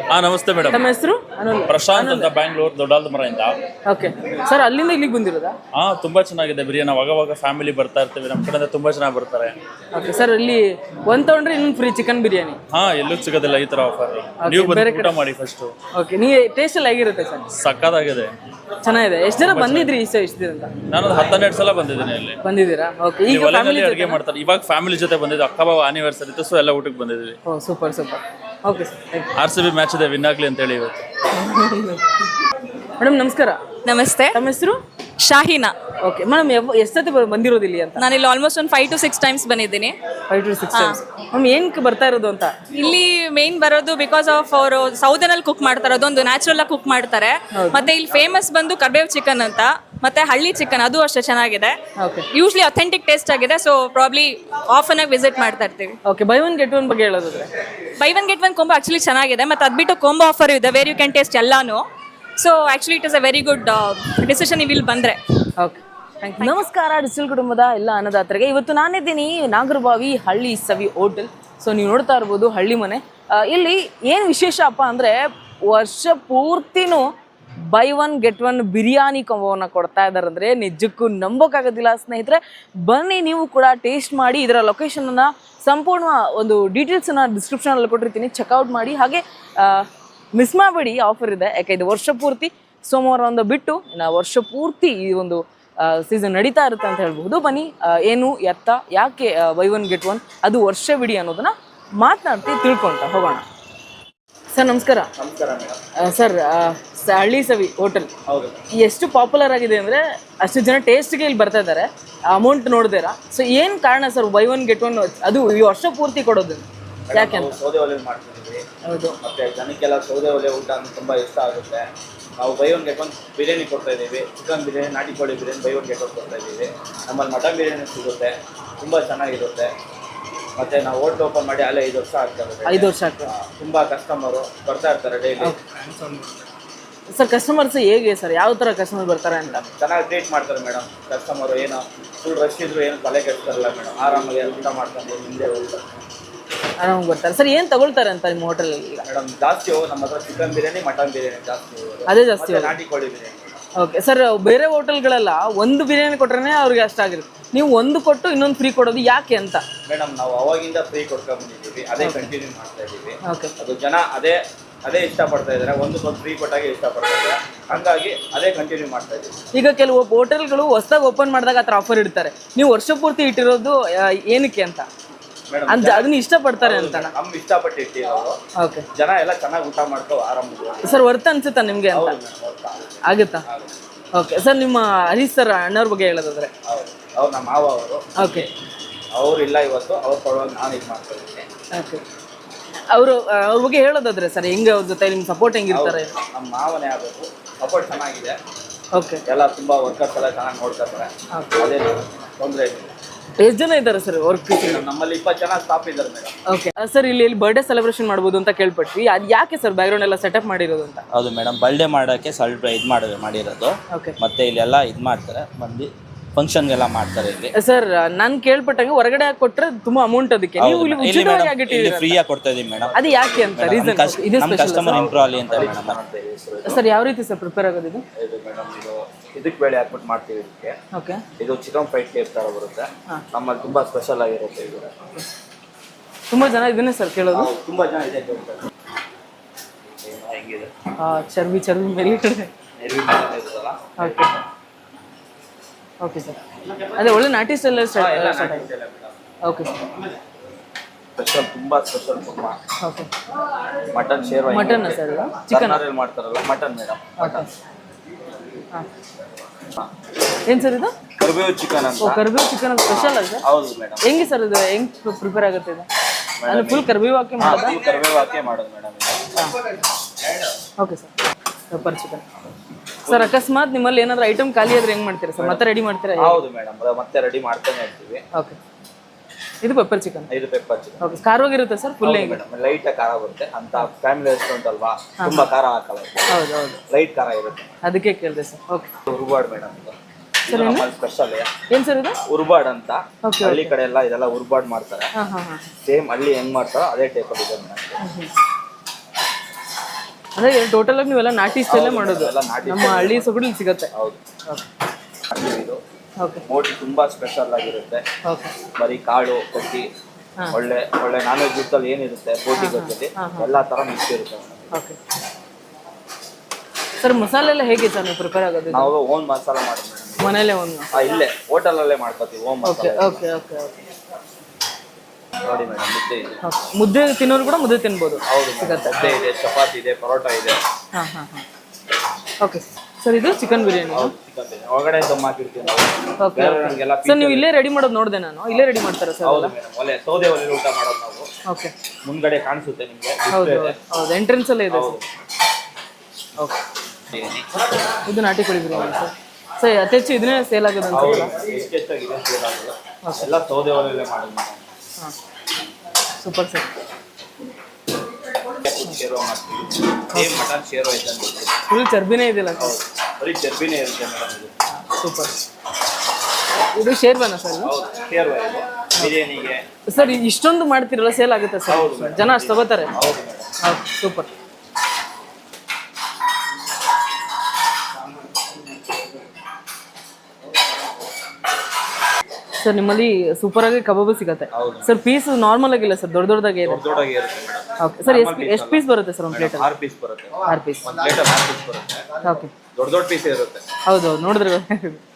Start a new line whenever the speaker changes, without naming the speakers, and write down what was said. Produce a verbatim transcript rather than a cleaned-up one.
ಹಾ ನಮಸ್ತೆ ಮೇಡಮ್.
ತಮ್ಮ ಹೆಸರು?
ಪ್ರಶಾಂತ್ ಅಂತ, ಬ್ಯಾಂಗ್ಳೂರ್ ದೊಡ್ಡಾಲ್ದ ಮರದಿಂದ.
ಓಕೆ ಸರ್, ಅಲ್ಲಿಂದ ಇಲ್ಲಿಗೆ ಬಂದಿರೋದಾ?
ಹಾ ತುಂಬಾ ಚೆನ್ನಾಗಿದೆ ಬಿರಿಯಾನಿ. ಅವಾಗವಾಗ ಫ್ಯಾಮಿಲಿ ಬರ್ತಾ ಇರ್ತೀವಿ, ನಮ್ಮ ಕಡೆಯಿಂದ ತುಂಬಾ ಚೆನ್ನಾಗಿ ಬರ್ತಾರೆ.
ಓಕೆ ಸರ್, ಇಲ್ಲಿ ಒಂದ್ ತಗೊಂಡ್ರೆ ಇನ್ನೊಂದು ಫ್ರೀ ಚಿಕನ್ ಬಿರಿಯಾನಿ.
ಹಾ ಎಲ್ಲೂ ಸಿಗೋದಿಲ್ಲ ಈ ತರ ಆಫರ್. ನೀವು ಬಂದು ಊಟ ಮಾಡಿ ಫಸ್ಟ್.
ಓಕೆ, ನೀವು ಟೇಸ್ಟ್ ಎಲ್ಲ ಹೇಗಿರುತ್ತೆ ಸರ್?
ಸಕ್ಕತ್ತಾಗಿದೆ,
ಚೆನ್ನಾಗಿದೆ. ಎಷ್ಟು ಜನ ಬಂದಿದ್ರಿ ಈ ಸಲ? ಎಷ್ಟು ದಿನ ಅಂತ?
ನಾನು ಹನ್ನೆರಡು ಸಲ ಬಂದಿದ್ದೀನಿ ಇಲ್ಲಿ.
ಬಂದಿದ್ದೀರಾ? ಓಕೆ. ಈಗ ಫ್ಯಾಮಿಲಿ
ಅಡುಗೆ ಮಾಡ್ತಾರೆ. ಇವಾಗ ಫ್ಯಾಮಿಲಿ ಜೊತೆ ಬಂದಿದ್ದು, ಅಕ್ಕ ಬಾವ ಆನಿವರ್ಸರಿ ಇತ್ತು, ಸೊ ಎಲ್ಲ ಊಟಕ್ಕೆ ಬಂದಿದ್ವಿ.
Oh super super. Okay sir,
R C B match ಇದೆ, ವಿನ್ ಆಗ್ಲಿ ಅಂತ ಹೇಳಿ ಇವತ್ತು.
ಮೇಡಮ್ ನಮಸ್ಕಾರ.
ನಮಸ್ತೆ.
ತಮ್ಮ ಹೆಸರು?
ಶಾಹಿನಾ.
ಓಕೆ ಮೇಡಮ್, ಎಷ್ಟು ಸತಿ ಬಂದಿರೋದು ಇಲ್ಲಿ ಅಂತ?
ನಾನು ಇಲ್ಲಿ ಆಲ್ಮೋಸ್ಟ್ ಒಂದು ಫೈವ್ ಟು ಸಿಕ್ಸ್ ಟೈಮ್ಸ್ ಬಂದಿದ್ದೀನಿ.
Five to six times. Ma'am ಏನಕ್ಕೆ ಬರ್ತಾ ಇರೋದು ಅಂತ?
ಇಲ್ಲಿ ಮೇನ್ ಬರೋದು ಬಿಕಾಸ್ ಆಫ್ ಅವರು ಸೌದರ್ನಲ್ಲಿ ಕುಕ್ ಮಾಡ್ತಾರೆ, ಅದೊಂದು ನ್ಯಾಚುರಲ್ ಆಗಿ ಕುಕ್ ಮಾಡ್ತಾರೆ. ಮತ್ತೆ ಇಲ್ಲಿ ಫೇಮಸ್ ಬಂದು ಕರ್ಬೇವ್ ಚಿಕನ್ ಅಂತ, ಮತ್ತೆ ಹಳ್ಳಿ ಚಿಕನ್, ಅದು ಅಷ್ಟೇ ಚೆನ್ನಾಗಿದೆ. ಯೂಶ್ಲಿ ಅಥೆಂಟಿಕ್ ಟೇಸ್ಟ್ ಆಗಿದೆ. ಸೊ ಪ್ರಾಬ್ಲಿ ಆಫನ್ ಆಗಿ ವಿಸಿಟ್ ಮಾಡ್ತಾ ಇರ್ತೀವಿ.
Okay, buy one get one ಬಗ್ಗೆ ಹೇಳೋದಾದ್ರೆ?
Buy one get one combo actually ಚೆನ್ನಾಗಿದೆ. ಮತ್ತೆ ಅದ್ಬಿಟ್ಟು ಕೊಂಬೋ ಆಫರ್ ಇದೆ, ವೇರ್ ಯು ಕ್ಯಾನ್ ಟೇಸ್ಟ್ ಎಲ್ಲಾನು. So actually it is a very good decision ನೀವು ಇಲ್ಲಿ ಬಂದರೆ.
ಓಕೆ, ನಮಸ್ಕಾರ ಡಿಜಿಟಲ್ ಕುಟುಂಬದ ಎಲ್ಲ ಅನ್ನದಾತರಿಗೆ. ಇವತ್ತು ನಾನಿದ್ದೀನಿ ನಾಗರಬಾವಿ ಹಳ್ಳಿ ಸವಿ ಹೋಟೆಲ್. ಸೊ ನೀವು ನೋಡ್ತಾ ಇರ್ಬೋದು ಹಳ್ಳಿ ಮನೆ. ಇಲ್ಲಿ ಏನು ವಿಶೇಷ ಅಪ್ಪ ಅಂದರೆ, ವರ್ಷ ಪೂರ್ತಿನೂ buy one get one biryani ಕೊಂಬೋವನ್ನು ಕೊಡ್ತಾ ಇದ್ದಾರೆ ಅಂದರೆ ನಿಜಕ್ಕೂ ನಂಬೋಕ್ಕಾಗೋದಿಲ್ಲ ಸ್ನೇಹಿತರೆ. ಬನ್ನಿ ನೀವು ಕೂಡ ಟೇಸ್ಟ್ ಮಾಡಿ. ಇದರ ಲೊಕೇಶನನ್ನು ಸಂಪೂರ್ಣ ಒಂದು ಡೀಟೇಲ್ಸನ್ನು ಡಿಸ್ಕ್ರಿಪ್ಷನಲ್ಲಿ ಕೊಟ್ಟಿರ್ತೀನಿ, ಚೆಕ್ಔಟ್ ಮಾಡಿ. ಹಾಗೆ ಮಿಸ್ ಮಾಡಬೇಡಿ, ಆಫರ್ ಇದೆ. ಯಾಕೆ ಇದು ವರ್ಷ ಪೂರ್ತಿ ಸೋಮವಾರ ಒಂದು ಬಿಟ್ಟು ಇನ್ನು ವರ್ಷ ಪೂರ್ತಿ ಈ ಒಂದು ಸೀಸನ್ ನಡೀತಾ ಇರುತ್ತೆ ಅಂತ ಹೇಳ್ಬಹುದು. ಬನ್ನಿ, ಏನು ಎತ್ತ ಯಾಕೆ ಬೈ ಒನ್ ಗೆಟ್ ಒನ್ ಅದು ವರ್ಷವಿಡೀ ಅನ್ನೋದನ್ನ ಮಾತನಾಡ್ತಿ ತಿಳ್ಕೊಂತ ಹೋಗೋಣ. ಸರ್ ನಮಸ್ಕಾರ. ಸರ್, ಹಳ್ಳಿ ಸವಿ ಹೋಟೆಲ್ ಎಷ್ಟು ಪಾಪ್ಯುಲರ್ ಆಗಿದೆ ಅಂದರೆ ಅಷ್ಟು ಜನ ಟೇಸ್ಟ್ಗೆ ಇಲ್ಲಿ ಬರ್ತಾ ಇದ್ದಾರೆ, ಅಮೌಂಟ್ ನೋಡಿದ್ದೀರಾ. ಸೊ ಏನು ಕಾರಣ sir buy one get one ಅದು ಈ ವರ್ಷ ಪೂರ್ತಿ ಕೊಡೋದು? ಯಾಕೆ ಅಂತ?
ಸೌದೆ ಒಲೆ ಮಾಡ್ತಿದ್ದೀವಿ.
ಹೌದು,
ಮತ್ತೆ ಜನಕ್ಕೆಲ್ಲ ಸೌದೆ ಒಲೆ ಊಟ ಅಂದ್ರೆ ತುಂಬಾ ಇಷ್ಟ ಆಗುತ್ತೆ. ನಾವು buy one get one biryani ಕೊಡ್ತಾ ಇದ್ದೀವಿ. ಚಿಕನ್ ಬಿರಿಯಾನಿ, ನಾಟಿ ಕೋಳಿ biryani buy one get one ಕೊಡ್ತಾ ಇದ್ದೀವಿ. ನಮ್ಮಲ್ಲಿ ಮಟನ್ ಬಿರಿಯಾನಿ ಸಿಗುತ್ತೆ, ತುಂಬ ಚೆನ್ನಾಗಿರುತ್ತೆ. ಮತ್ತು ನಾವು ಹೋಟ್ಲ್ ಓಪನ್ ಮಾಡಿ ಅಲ್ಲೇ ಐದು ವರ್ಷ ಆಗ್ತದೆ.
ಐದು ವರ್ಷ ಆಗ್ತದೆ.
ತುಂಬ ಕಸ್ಟಮರು ಬರ್ತಾ ಇರ್ತಾರೆ ಡೈಲಿ.
ಸರ್ ಕಸ್ಟಮರ್ಸ್ ಹೇಗೆ ಸರ್, ಯಾವ ಥರ ಕಸ್ಟಮರ್ ಬರ್ತಾರೆ ಅಂತ?
ಚೆನ್ನಾಗಿ ಟ್ರೀಟ್ ಮಾಡ್ತಾರೆ ಮೇಡಮ್. ಕಸ್ಟಮರು ಏನು ಫುಲ್ ರಶ್ ಇದ್ರು ಏನು ತಲೆ ಕೆಡ್ತಾರಲ್ಲ ಮೇಡಮ್, ಆರಾಮಾಗಿ ಊಟ ಮಾಡ್ಕೊಂಡು ಹಿಂದೆ ಹೋಗ್ತಾರೆ,
ಆರಾಮಾಗಿ ಬರ್ತಾರೆ. ಸರ್ ಏನು ತಗೊಳ್ತಾರೆ ಅಂತ ನಿಮ್ಮ ಹೋಟೆಲಲ್ಲಿ?
ಮೇಡಮ್ ಜಾಸ್ತಿ ಹೋಗೋದು ನಮ್ಮ ಹತ್ರ ಚಿಕನ್ ಬಿರಿಯಾನಿ, ಮಟನ್ ಬಿರಿಯಾನಿ ಜಾಸ್ತಿ ಹೋಗೋದು.
ಅದೇ ಜಾಸ್ತಿ,
ನಾಟಿ ಕೋಳಿ ಬಿರಿಯಾನಿ.
ಓಕೆ ಸರ್, ಬೇರೆ ಹೋಟೆಲ್ಗಳೆಲ್ಲ ಒಂದು ಬಿರಿಯಾನಿ ಕೊಟ್ರೆ ಅವ್ರಿಗೆ ಅಷ್ಟಾಗಿರುತ್ತೆ, ನೀವು ಒಂದು ಕೊಟ್ಟು ಇನ್ನೊಂದು ಫ್ರೀ ಕೊಡೋದು ಯಾಕೆ ಅಂತ?
ಮೇಡಮ್ ನಾವು ಅವಾಗಿಂದ ಫ್ರೀ ಕೊಡ್ಕೊಂಡು ಬಂದಿದ್ದೀವಿ, ಅದೇ ಕಂಟಿನ್ಯೂ ಮಾಡ್ತಾ ಇದ್ದೀವಿ.
ಓಕೆ,
ಅದು ಜನ ಅದೇ ಅದೇ ಇಷ್ಟಪಡ್ತಾ ಇದ್ದಾರೆ, ಒಂದು ಸ್ವಲ್ಪ ಫ್ರೀ ಕೊಟ್ಟಾಗೆ ಇಷ್ಟಪಡ್ತಾ ಇದ್ದಾರೆ, ಹಂಗಾಗಿ ಅದೇ ಕಂಟಿನ್ಯೂ ಮಾಡ್ತಾ ಇದ್ದೀವಿ.
ಈಗ ಕೆಲವು ಹೋಟೆಲ್ಗಳು ಹೊಸದಾಗಿ ಓಪನ್ ಮಾಡಿದಾಗ ಆ ಥರ ಆಫರ್ ಇಡ್ತಾರೆ, ನೀವು ವರ್ಷ ಪೂರ್ತಿ ಇಟ್ಟಿರೋದು ಏನಕ್ಕೆ ಅಂತ?
ಮೇಡಮ್
ಅದನ್ನ ಇಷ್ಟಪಡ್ತಾರೆ ಅಂತ
ನಮ್ ಇಷ್ಟಪಟ್ಟು ಇಟ್ಟಿರೋದು.
ಓಕೆ,
ಜನ ಎಲ್ಲ ಚೆನ್ನಾಗಿ ಊಟ ಮಾಡ್ಕೋ ಆರಾಮಾಗಿ.
ಸರ್ ವರ್ತ್ ಅನ್ಸುತ್ತಾ ನಿಮಗೆ ಅಂತ? ಆಗುತ್ತಾ? ಓಕೆ ಸರ್, ನಿಮ್ಮ ಹರೀಶ್ ಸರ್ ಅಣ್ಣವ್ರ ಬಗ್ಗೆ ಹೇಳೋದಾದ್ರೆ?
ಹೌದು, ಅವ್ರು ನಮ್ಮ ಮಾವ ಅವರು.
ಓಕೆ,
ಅವ್ರು ಇಲ್ಲ ಇವತ್ತು, ಅವ್ರ ಪರವಾಗಿ ನಾನು ಇದು ಮಾಡ್ತಾ ಇದ್ದೀನಿ.
ಓಕೆ, ಅವರು ಅವ್ರ ಬಗ್ಗೆ ಹೇಳೋದಾದ್ರೆ ಸರ್, ಹೆಂಗೆ ಅವ್ರ ಜೊತೆ ನಿಮ್ಮ ಸಪೋರ್ಟ್ ಹೆಂಗಿರ್ತಾರೆ?
ನಮ್ಮ ಮಾವನೇ ಆಗಬೇಕು, ಸಪೋರ್ಟ್ ಚೆನ್ನಾಗಿದೆ.
ಓಕೆ,
ಎಲ್ಲ ತುಂಬಾ ವರ್ಕರ್ಸ್ ಎಲ್ಲ ಚೆನ್ನಾಗಿ ನೋಡ್ಕೊತಾರೆ, ಅದೇ ತೊಂದರೆ ಇಲ್ಲ.
ಎಷ್ಟು ಜನ ಇದ್ದಾರೆ ಸರ್ ವರ್ಕ್?
ನಮ್ಮಲ್ಲಿ ಇಪ್ಪತ್ತು ಜನ ಸ್ಟಾಫ್ ಇದ್ದಾರೆ ಮೇಡಮ್.
ಓಕೆ ಸರ್, ಇಲ್ಲಿ ಇಲ್ಲಿ ಬರ್ಡೇ ಸೆಲೆಬ್ರೇಷನ್ ಮಾಡ್ಬೋದು ಅಂತ ಕೇಳ್ಪಟ್ವಿ, ಅದು ಯಾಕೆ ಸರ್ ಬ್ಯಾಕ್ಗ್ರೌಂಡ್ ಎಲ್ಲ ಸೆಟಪ್ ಮಾಡಿರೋದು ಅಂತ?
ಹೌದು ಮೇಡಮ್, ಬರ್ಡೇ ಮಾಡೋಕ್ಕೆ ಸ್ವಲ್ಪ ಇದು ಮಾಡಿ ಮಾಡಿರೋದು.
ಓಕೆ,
ಮತ್ತೆ ಇಲ್ಲೆಲ್ಲ ಇದು ಮಾಡ್ತಾರೆ, ಬಂದು ಫಂಕ್ಷನ್ಗೆಲ್ಲ ಮಾಡ್ತಾರೆ ಇಲ್ಲಿ.
ಸರ್ ನಾನು ಕೇಳ್ಪಟ್ಟಂಗೆ ಹೊರಗಡೆ ಕೊಟ್ಟರೆ ತುಂಬಾ ಅಮೌಂಟ್, ಅದಕ್ಕೆ ನೀವು ಇಲ್ಲಿ ಉಚಿತವಾಗಿ ಆಗಿಟ್ಟಿದ್ದೀರಿ,
ಫ್ರೀಯಾಗಿ ಕೊಡ್ತಾ ಇದೀವಿ ಮೇಡಮ್.
ಅದು ಯಾಕೆ ಅಂತ ರೀಸನ್? ಇದು
ನಮ್ಮ ಕಸ್ಟಮರ್ ಇಂಪ್ರೂವ್ ಆಗಲಿ ಅಂತ ಮೇಡಮ್.
ಸರ್ ಯಾವ ರೀತಿ ಸರ್ ಪ್ರಿಪೇರ್ ಆಗೋದು ಇದು?
ಇದು ಮೇಡಮ್, ಇದು ಇದಕ್ಕೆ ಬೇಳೆ ಹಾಕ್ಬಿಟ್ಟು ಮಾಡ್ತೀವಿ ಇದಕ್ಕೆ.
ಓಕೆ,
ಇದು ಚಿಕನ್ ಫ್ರೈಡ್ ಟೇಪ್ ಥರ ಬರುತ್ತೆ, ನಮ್ಮಲ್ಲಿ ತುಂಬ ಸ್ಪೆಷಲ್ ಆಗಿರುತ್ತೆ ಇದು.
ತುಂಬ ಜನ ಇದನ್ನೇ ಸರ್ ಕೇಳೋದು?
ತುಂಬ ಜನ ಇದೆ ಕೇಳ್ತಾರೆ. ಹೆಂಗಿದೆ
ಚರ್ಬಿ ಚರ್ಬಿ ಮೇಲೆ ಕಡೆ. ಓಕೆ ಓಕೆ ಸರ್, ಅದೇ ಒಳ್ಳೆ ನಾಟಿ ಸ್ಟೈಲ್ ಸ್ಟಾರ್ಟ್ ಆಗಿದೆ. ಓಕೆ ಸರ್,
ಸ್ಪೆಷಲ್ ತುಂಬ ಸ್ಪೆಷಲ್ ತುಂಬ.
ಓಕೆ,
ಮಟನ್ ಶೇರ್ವಾ.
ಮಟನ್ ಸರ್, ಚಿಕನ್
ಮಾಡ್ತಾರಲ್ಲ ಮಟನ್ ಮೇಡಮ್. ಮಟನ್
ಹಾಂ, ಏನು ಸರ್ ಇದು?
ಕರ್ಬೇವು ಚಿಕನ್ ಅಂತ.
ಓ, ಕರ್ಬೇವು ಚಿಕನ್ ಸ್ಪೆಷಲ್ ಅಲ್ಲ ಸರ್?
ಹೌದು ಮೇಡಮ್.
ಹೆಂಗೆ ಸರ್ ಇದು, ಹೆಂಗೆ ಪ್ರಿಪೇರ್ ಆಗುತ್ತೆ ಇದು? ಅಂದರೆ ಫುಲ್ ಕರ್ಬೇವು ಹಾಕಿ ಮಾಡೋದಾ?
ಕರ್ಬೇವು ಹಾಕಿ ಮಾಡೋದು madam.
Okay sir, pepper chicken. Sir ಅಕಸ್ಮಾತ್ ನಿಮ್ಮಲ್ಲಿ ಏನಾದರೂ ಐಟಮ್ ಖಾಲಿ ಆದ್ರೆ ಹೆಂಗೆ ಮಾಡ್ತೀರಾ ಸರ್? ಮತ್ತೆ ರೆಡಿ ಮಾಡ್ತೀರಾ?
ಹೌದು ಮೇಡಮ್, ಮತ್ತೆ ರೆಡಿ ಮಾಡ್ತಾನೆ ಇರ್ತೀವಿ.
ಓಕೆ, ಇದು ಪೆಪ್ಪರ್ ಚಿಕನ್.
ಇದು ಪೆಪ್ಪರ್ ಚಿಕನ್.
ಓಕೆ, ಖಾರವಾಗಿರುತ್ತೆ ಸರ್? ಫುಲ್
ಮೇಡಮ್, ಲೈಟ್ ಖಾರ ಬರುತ್ತೆ ಅಂತ. ಫ್ಯಾಮಿಲಿ ರೆಸ್ಟೋರೆಂಟ್ ಅಲ್ವಾ, ತುಂಬಾ ಖಾರ ಹಾಕಲ್ಲ.
ಹೌದು ಹೌದು,
ಲೈಟ್ ಖಾರ ಇರುತ್ತೆ,
ಅದಕ್ಕೆ ಕೇಳಿದೆ ಸರ್. ಓಕೆ,
ಉರ್ಬಾಡ್ ಮೇಡಮ್ ಇದು ಸ್ಪೆಷಲ್.
ಏನು ಸರ್ ಇದು?
ಉರ್ಬಾಡ್ ಅಂತ. ಹಳ್ಳಿ ಕಡೆ ಎಲ್ಲ ಇದೆಲ್ಲ ಉರ್ಬಾಡ್ ಮಾಡ್ತಾರೆ.
ಹಾಂ ಹಾಂ ಹಾಂ,
ಸೇಮ್ ಹಳ್ಳಿ ಹೆಂಗ್ ಮಾಡ್ತಾರೋ ಅದೇ ಟೈಪ್ ಅಲ್ಲಿ ಇದೆ ಮೇಡಮ್.
ಅಂದ್ರೆ ಟೋಟಲ್ ಆಗಿ ನೀವೆಲ್ಲ ನಾಟಿ ಸ್ಟೈಲೇ ಮಾಡೋದು
ಎಲ್ಲ ನಾಟಿ
ನಮ್ಮ ಹಳ್ಳಿ ಸೊಗಡು ಇಲ್ಲಿ ಸಿಗತ್ತೆ
ಹೌದು. ಇದು
ಓಕೆ
ಬೋಟಿ ತುಂಬಾ ಸ್ಪೆಷಲ್ ಆಗಿರುತ್ತೆ.
ಓಕೆ
ಬರೀ ಕಾಳು ಕಟ್ಟಿ ಒಳ್ಳೆ ಒಳ್ಳೆ ನಾನ್ ವೆಜ್ ಜೊತೆಲಿ ಏನಿರುತ್ತೆ ಬೋಟಿ ಗೊತ್ತಲ್ಲಿ ಎಲ್ಲಾ ತರ ಮಿಕ್ಸ್ ಇರುತ್ತೆ ಮೇಡಮ್.
ಓಕೆ ಸರ್ ಮಸಾಲೆ ಎಲ್ಲ ಹೇಗೆ ಸರ್ ನೀವು ಪ್ರಿಪೇರ್ ಆಗೋದು ಇದು?
ನಾವು ಓನ್ ಮಸಾಲ ಮಾಡೋದು ಮೇಡಮ್.
ಮನೇಲೆ ಒಂದು
ಆ, ಇಲ್ಲೇ ಹೋಟೆಲ್ ಅಲ್ಲೇ ಮಾಡ್ಕೋತೀವಿ own
okay
masala.
Okay okay okay
ನೋಡಿ ಮೇಡಮ್ ಮುದ್ದೆ ಇದೆ.
ಮುದ್ದೆ ತಿನ್ನೋರು ಕೂಡ ಮುದ್ದೆ ತಿನ್ಬೋದು.
ಹೌದು ಮೇಡಮ್. ಮುದ್ದೆ ಇದೆ, ಚಪಾತಿ ಇದೆ, ಪರೋಟ ಇದೆ.
ಹಾಂ ಹಾಂ ಹಾಂ ಓಕೆ ಸರ್ ಇದು ಚಿಕನ್ ಬಿರಿಯಾನಿ.
ಹೌದು ಚಿಕನ್ ಬಿರಿಯಾನಿ ಒಳಗಡೆ ದಮ್ ಹಾಕಿರ್ತೀವಿ ನಾವು.
ಓಕೆ
ಬೇರೆಯವ್ರಿಗೆಲ್ಲ
ಸರ್ ನೀವು ಇಲ್ಲೇ ರೆಡಿ ಮಾಡೋದು ನೋಡಿದೆ ನಾನು, ಇಲ್ಲೇ ರೆಡಿ ಮಾಡ್ತಾರೆ ಸರ್?
ಹೌದು ಮೇಡಮ್. ಒಲೆ ಸೌದೆ ಒಲೆ ಊಟ ಮಾಡೋದು ನಾವು.
ಓಕೆ
ಮುಂದ್ಗಡೆ ಕಾಣಿಸುತ್ತೆ ನಿಮಗೆ.
ಹೌದು ಹೌದು ಎಂಟ್ರೆನ್ಸ್ ಅಲ್ಲೇ ಇದೆ ಸರ್. ಓಕೆ ಇದು ನಾಟಿ ಕೋಳಿ ಬಿರಿಯಾನಿ ಸರ್. ಸರ್ ಅತಿ ಹೆಚ್ಚು ಇದನ್ನೇ ಸೇಲ್ ಆಗೋದು ಅಂತ
ಹೌದು ಎಷ್ಟೆಷ್ಟಾಗಿದೆ ಎಲ್ಲ ಸೌದೆ ಒಲೆಯಲ್ಲೇ ಮಾಡೋದು ಮೇಡಮ್.
ಹಾಂ ಸೂಪರ್ ಸರ್.
ಶೇರೋ ಮಾಡ್ತೀವಿ. ಸೇಮ್ ಮಟನ್ ಶೇರೋ ಐತೆ ಅಂತ.
ಫುಲ್ ಚರ್ಬಿನೇ ಇದೆಯಲ್ಲ ಸರ್?
ಹೌದು ಬರೀ ಚರ್ಬಿನೇ ಇರುತ್ತೆ ಮೇಡಮ್ ಇದು.
ಸೂಪರ್. ಇದು ಶೇರ್ವಾನ ಸರ್?
ಹೌದು ಶೇರ್ವ ಇದೆ ಬಿರಿಯಾನಿಗೆ.
ಸರ್ ಇಷ್ಟೊಂದು ಮಾಡ್ತಿರಲ್ಲ ಸೇಲ್ ಆಗುತ್ತೆ ಸರ್?
ಹೌದು ಮೇಡಮ್.
ಜನ ಅಷ್ಟು ತಗೋತಾರೆ?
ಹೌದು ಮೇಡಮ್.
ಹೌದು ಸೂಪರ್. ಸರ್ ನಿಮ್ಮಲ್ಲಿ ಸೂಪರ್ ಆಗಿ ಕಬಾಬು ಸಿಗತ್ತೆ
ಹೌದು.
ಸರ್. ಪೀಸ್ ನಾರ್ಮಲ್ ಆಗಿಲ್ಲ ಸರ್, ದೊಡ್ಡ ದೊಡ್ಡದಾಗೆ ಇದೆ.
ದೊಡ್ಡ ದೊಡ್ಡದಾಗಿ ಇರುತ್ತೆ ಮೇಡಮ್.
ಓಕೆ ಸರ್ ಎಷ್ಟು ಎಷ್ಟು ಪೀಸ್ ಬರುತ್ತೆ ಸರ್ ಒಂದು ಪ್ಲೇಟಲ್ಲಿ?
ಆರು ಪೀಸ್ ಬರುತ್ತೆ.
ಆರು ಪೀಸ್.
ಒಂದು ಪ್ಲೇಟಲ್ಲಿ ಆರು ಪೀಸ್ ಬರುತ್ತೆ.
ಓಕೆ
ದೊಡ್ಡ ದೊಡ್ಡ ಪೀಸ್ ಇರುತ್ತೆ.
ಹೌದು ಹೌದು ನೋಡಿದ್ರೆ